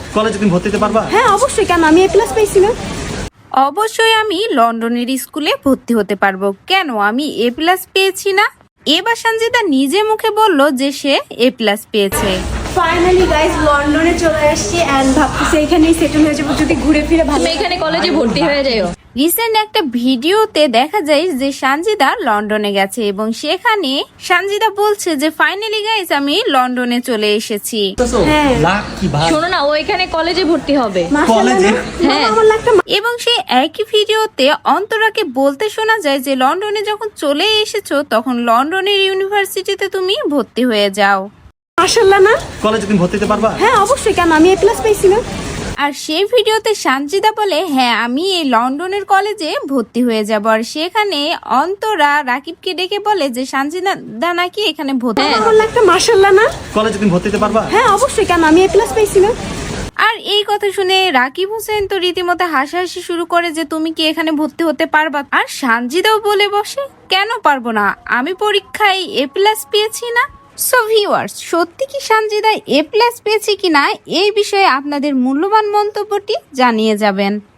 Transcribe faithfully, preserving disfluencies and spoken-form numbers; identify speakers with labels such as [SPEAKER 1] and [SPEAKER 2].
[SPEAKER 1] কলেজে তুমি ভর্তি হতে পারবা?
[SPEAKER 2] হ্যাঁ অবশ্যই, কেন আমি এ প্লাস পেয়েছি না?
[SPEAKER 3] অবশ্যই আমি লন্ডনের স্কুলে ভর্তি হতে পারবো। কেন আমি এ প্লাস পেয়েছি না? এবার সঞ্জিতা নিজে মুখে বলল যে সে এ প্লাস পেয়েছে।
[SPEAKER 2] ফাইনালি গাইস লন্ডনে চলে আসছি এন্ড ভাবতেছি এখানেই সেটেল হয়ে যাবো যদি ঘুরে ফিরে ভালো।
[SPEAKER 4] তুমি এখানে কলেজে ভর্তি হয়ে যাও।
[SPEAKER 3] রিসেন্ট একটা ভিডিওতে দেখা যায় যে সঞ্জিতা লন্ডনে গেছে এবং সেখানে সঞ্জিতা বলছে যে ফাইনালি গাইস আমি লন্ডনে চলে এসেছি।
[SPEAKER 2] হ্যাঁ
[SPEAKER 1] লাখ কি ভাই,
[SPEAKER 4] শোনো না, ও এখানে কলেজে ভর্তি হবে।
[SPEAKER 2] মাশাআল্লাহ
[SPEAKER 1] কলেজে?
[SPEAKER 2] না?
[SPEAKER 4] হ্যাঁ।
[SPEAKER 2] মামা, আমার লাখটা
[SPEAKER 3] এবং সেই একই ভিডিওতে অন্তরাকে বলতে শোনা যায় যে লন্ডনে যখন চলে এসেছো তখন লন্ডনের ইউনিভার্সিটিতে তুমি ভর্তি হয়ে যাও।
[SPEAKER 2] মাশাআল্লাহ না?
[SPEAKER 1] কলেজে তুমি ভর্তি হতে পারবা?
[SPEAKER 2] হ্যাঁ অবশ্যই, কেন আমি এ প্লাস পেয়েছি না?
[SPEAKER 3] আর সেই ভিডিওতে সঞ্জিতা বলে হ্যাঁ আমি এই লন্ডনের কলেজে ভর্তি হয়ে যাব। আর সেখানে অন্তরা রাকিবকে ডেকে বলে যে সঞ্জিতা নাকি এখানে ভর্তি।
[SPEAKER 4] হ্যাঁ।
[SPEAKER 2] আমার লাখটা মাশাআল্লাহ না?
[SPEAKER 1] কলেজে তুমি ভর্তি হতে পারবা?
[SPEAKER 2] হ্যাঁ অবশ্যই, কেন আমি এ প্লাস পেয়েছি না?
[SPEAKER 3] আর এই কথা শুনে রাকিব হোসেন তো রীতিমতো হাসাহাসি শুরু করে যে তুমি কি এখানে ভর্তি হতে পারবা? আর সঞ্জিতাও বলে বসে কেন পারবো না, আমি পরীক্ষায় এ প্লাস পেয়েছি না। সো ভিউয়ার্স, সত্যি কি সঞ্জিতা এ প্লাস পেয়েছে কিনা এই বিষয়ে আপনাদের মূল্যবান মন্তব্যটি জানিয়ে যাবেন।